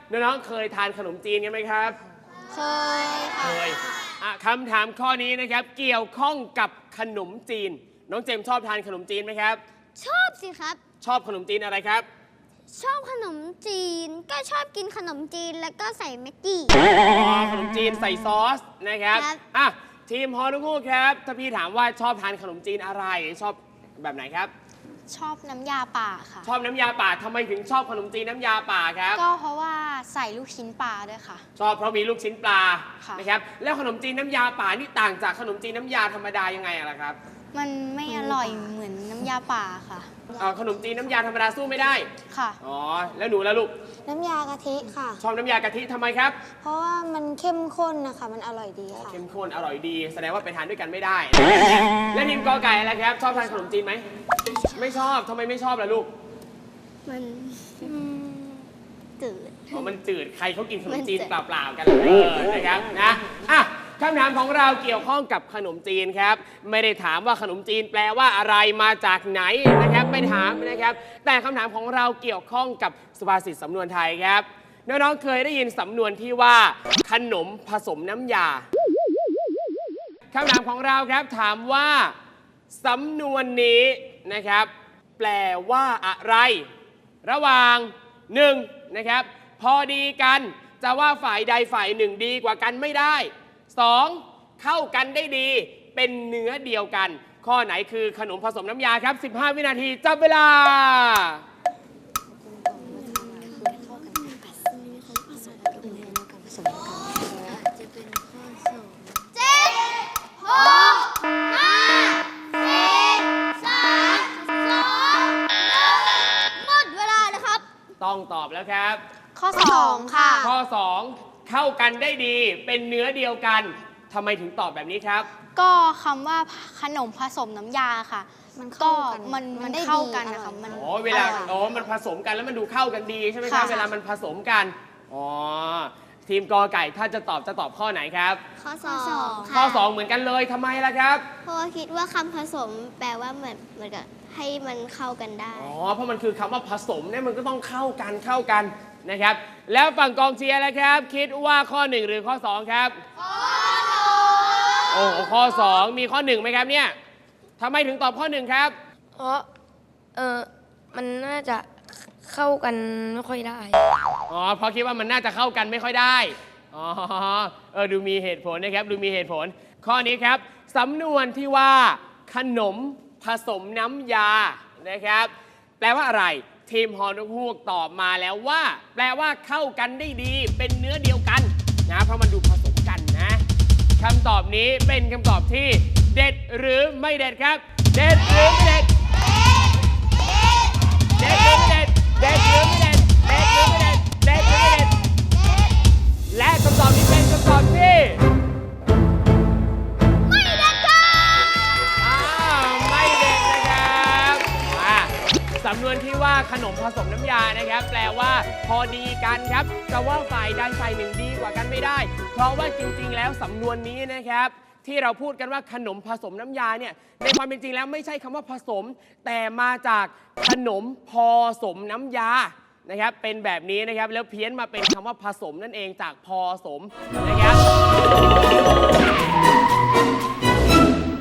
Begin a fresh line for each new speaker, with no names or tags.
น้องๆเคยทานขนมจีนกันไหมครับ
เคยค่ะ
เคยคำถามข้อนี้นะครับเกี่ยวข้องกับขนมจีนน้องเจมชอบทานขนมจีนไหมครับ
ชอบสิครับ
ชอบขนมจีนอะไรครับ
ชอบขนมจีนก็ชอบกินขนมจีนแล้วก็ใส่แม็กกี้
ขนมจีนใส่ซอสนะครับทีมฮอนุคู่ครับถ้าพี่ถามว่าชอบทานขนมจีนอะไรชอบแบบไหนครับ
ชอบน้ำยาป่าค่ะ
ชอบน้ำยาป่าทำไมถึงชอบขนมจีนน้ำยาป่าครับ
ก็เพราะว่าใส่ลูกชิ้นปลาด้วยค่ะ
ชอบเพราะมีลูกชิ้นปลานะครับแล้วขนมจีนน้ำยาป่านี่ต่างจากขนมจีนน้ำยาธรรมดายังไงล่ะครับ
มันไม่อร่อยเหมือนน้ำยาป่าค่ะ
ขนมจีนน้ำยาธรรมดาสู้ไม่ได้
ค่ะ
อ๋อแล้วหนูล่ะลูก
น้ำยากะทิค่ะ
ชอบน้ำยากะทิทำไมครับ
เพราะว่ามันเข้มข้นนะคะมันอร่อยดีค่ะ
เข้มข้นอร่อยดีแสดงว่าไปทานด้วยกันไม่ได้และทีมกอไก่อะไรครับชอบทานขนมจีนไหมไม่ชอบทำไมไม่ชอบล่ะลูก
มันจืด
มันจืดใครเขากินขนมจีนเปล่าๆกันนะครับนะคำถามของเราเกี่ยวข้องกับขนมจีนครับไม่ได้ถามว่าขนมจีนแปลว่าอะไรมาจากไหนนะครับไม่ถามนะครับแต่คำถามของเราเกี่ยวข้องกับสุภาษิตสำนวนไทยครับน้องๆเคยได้ยินสำนวนที่ว่าขนมผสมน้ำยาคำถามของเราครับถามว่าสำนวนนี้นะครับแปลว่าอะไรระหว่าง1นะครับพอดีกันจะว่าฝ่ายใดฝ่ายหนึ่งดีกว่ากันไม่ได้2เข้ากันได้ดีเป็นเนื้อเดียวกันข้อไหนคือขนมผสมน้ำยาครับ15 วินาทีจับเวลาต้องตอบแล้วครับ
ข้อ2ค่ะ
ข้อ2เข้ากันได้ดีเป็นเนื้อเดียวกันทำไมถึงตอบแบบนี้ครับ
ก็คำว่าขนมผสมน้ำยาค่ะมันก็มันเข้ากันนะคะมัน
เวลามันผสมกันแล้วมันดูเข้ากันดีใช่ไหมครับเวลามันผสมกันทีมกอไก่ถ้าจะตอบข้อไหนครับ
ข้อ2
ข้อ2เหมือนกันเลยทำไมล่ะครับ
เพราะว่าคิดว่าคำผสมแปลว่าเหมือนกับให้มันเข้ากันได้
เพราะมันคือคำว่าผสมเนี่ยมันก็ต้องเข้ากันนะครับแล้วฝั่งกองเชียร์แล้วครับคิดว่าข้อ1หรือข้อ2ครับข้อ2ข้อ2มีข้อ1ไหมครับเนี่ยทำไมถึงตอบข้อ1ครับ
เพราะมันน่าจะเข้ากันไม่ค่อยได้
เพราะคิดว่ามันน่าจะเข้ากันไม่ค่อยได้ดูมีเหตุผลนะครับดูมีเหตุผลข้อนี้ครับสำนวนที่ว่าขนมผสมน้ำยานะครับแปลว่าอะไรทีมฮอนุฮูกตอบมาแล้วว่าแปลว่าเข้ากันได้ดีเป็นเนื้อเดียวกันนะเพราะมันดูผสมกันนะคำตอบนี้เป็นคำตอบที่เด็ดหรือไม่เด็ดครับเด็ดหรือไม่เด็ดเด็ดหรือไม่เด็ดเด็ดหรือไม่เด็ดเด็ดหรือไม่เด็ดเด็ดหรือไม่เด็ดและคำตอบนี้เป็นคำตอบที่
ไม่เด็ดค่ะ
ไม่เด็ดนะครับสำนวนที่ว่าขนมผสมน้ำยานะครับแปลว่าพอดีกันครับจะว่าฝ่ายใดฝ่ายหนึ่งดีกว่ากันไม่ได้เพราะว่าจริงๆแล้วสำนวนนี้นะครับที่เราพูดกันว่าขนมผสมน้ำยาเนี่ยในความเป็นจริงแล้วไม่ใช่คำว่าผสมแต่มาจากขนมพอสมน้ำยานะครับเป็นแบบนี้นะครับแล้วเพี้ยนมาเป็นคำว่าผสมนั่นเองจากพอสมนะครับ